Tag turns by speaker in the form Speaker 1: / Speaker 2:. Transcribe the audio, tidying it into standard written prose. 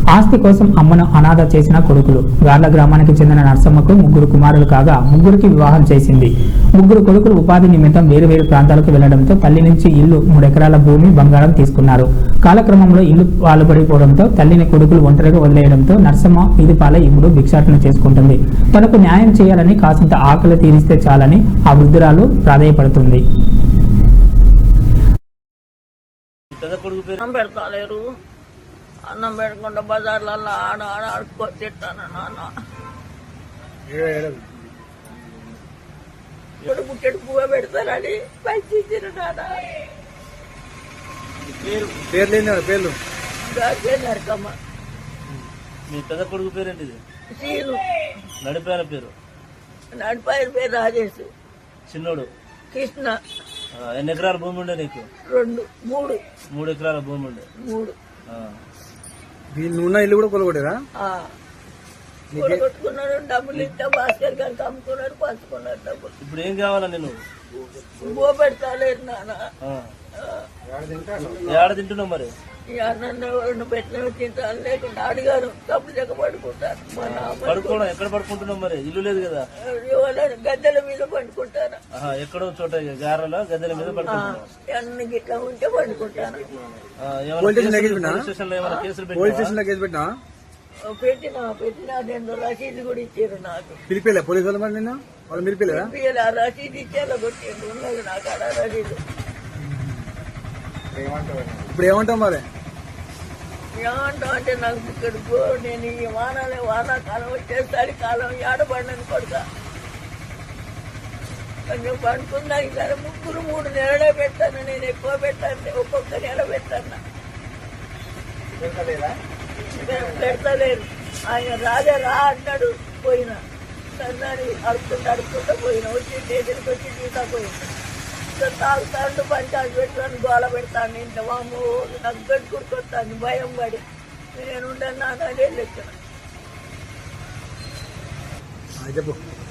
Speaker 1: ఆస్తి కోసం అమ్మను అనాథ చేసిన కొడుకులు. గార్ల గ్రామానికి చెందిన నర్సమ్మకు ముగ్గురు కుమారులు కాగా ముగ్గురికి వివాహం చేసింది. ముగ్గురు కొడుకులు ఉపాధి నిమిత్తం వేరు ప్రాంతాలకు వెళ్లడంతో తల్లి నుంచి ఇల్లు 3 ఎకరాల భూమి బంగారం తీసుకున్నారు. కాలక్రమంలో ఇల్లు పాలుపడిపోవడంతో తల్లిని కొడుకులు ఒంటరిగా వదిలేయడంతో నర్సమ్మ వీధి పాలై ఇప్పుడు భిక్షాటన చేసుకుంటుంది. తనకు న్యాయం చేయాలని, కాసింత ఆకలి తీరిస్తే చాలని ఆ వృద్ధురాలు ప్రాధేయపడుతుంది.
Speaker 2: అన్నం పెడకుండా బజార్లలో ఆడుకొని తిట్టాను నాన్న. ఇప్పుడు పుట్టెడు పువ్వు పెడతానని పైచిచ్చారు నాన్న.
Speaker 3: పేర్లు
Speaker 2: నరకమ్మ.
Speaker 4: మీ పెద్ద కొడుకు పేరేంటి?
Speaker 2: సీను.
Speaker 4: నడిపాయన పేరు?
Speaker 2: నడిపాయన పేరు రాజేష్.
Speaker 4: చిన్నోడు
Speaker 2: కృష్ణ.
Speaker 4: ఎన్ని ఎకరాల భూమి ఉండే నీకు?
Speaker 2: 2, 3.
Speaker 4: 3 ఎకరాల భూమి ఉండే.
Speaker 2: 3.
Speaker 3: ఉన్న ఇల్లు కూడా కొలగొట్టారా?
Speaker 2: కొట్టుకున్నాడు. డబ్బులు ఇస్తే భాస్కర్ గారికి అమ్ముకున్నాడు, పంచుకున్నాడు డబ్బులు.
Speaker 4: ఇప్పుడు ఏం కావాలా నేను?
Speaker 2: బో పెడతాలేదు నాన్న.
Speaker 4: ఏడ తింటున్నావు మరి?
Speaker 2: నన్ను పెట్టిన తింటాను, లేకుండా అడిగారు డబ్బులు చెక్క పడుకుంటాను.
Speaker 4: పడుకోవడం ఎక్కడ పడుకుంటున్నావు మరి? ఇల్లు లేదు కదా?
Speaker 2: గద్దెల మీద పండుకుంటాను.
Speaker 4: ఎక్కడో చోట గారెలో గద్దెల మీద పడుకుంటున్నావు.
Speaker 2: అన్ని గిట్లా ఉంటే పండుకుంటాను. పెట్టిన 2 రసీదు కూడా ఇచ్చారు నాకు.
Speaker 3: పిలిపిలే పోలీసు మరి నిన్న వాళ్ళు మీరు
Speaker 2: రసీదు ఇచ్చేలా కొట్టిండు. ఉన్నది నాకు అలా రసీదు.
Speaker 3: ఇప్పుడు ఏమంటావు మరి?
Speaker 2: ఏమంటావు అంటే నాకు ఇక్కడ నేను ఈ వానాకాలం వచ్చేసరి కాలం ఏడబడినని కొడుక కొంచెం పండుకున్నాక సరే 3 నెలలే పెట్టాను. నేను ఎక్కువ పెట్టాను, ఒక్కొక్క నెల పెట్టాను. పెడతలేరు. ఆయన రాజా రా అన్నాడు, పోయినా సన్నాడు అడుక్కుంటూ పోయినా. వచ్చి స్టేషన్కి వచ్చి తీసా పోయినా. తాగుతాడు, పంచాలు పెడతాను, గోల పెడతాను. ఇంత వాము నాకు గట్టుకొస్తాను భయం పడి నేను ఉండను నాన్న. అదే లెక్కన
Speaker 3: చెప్పు.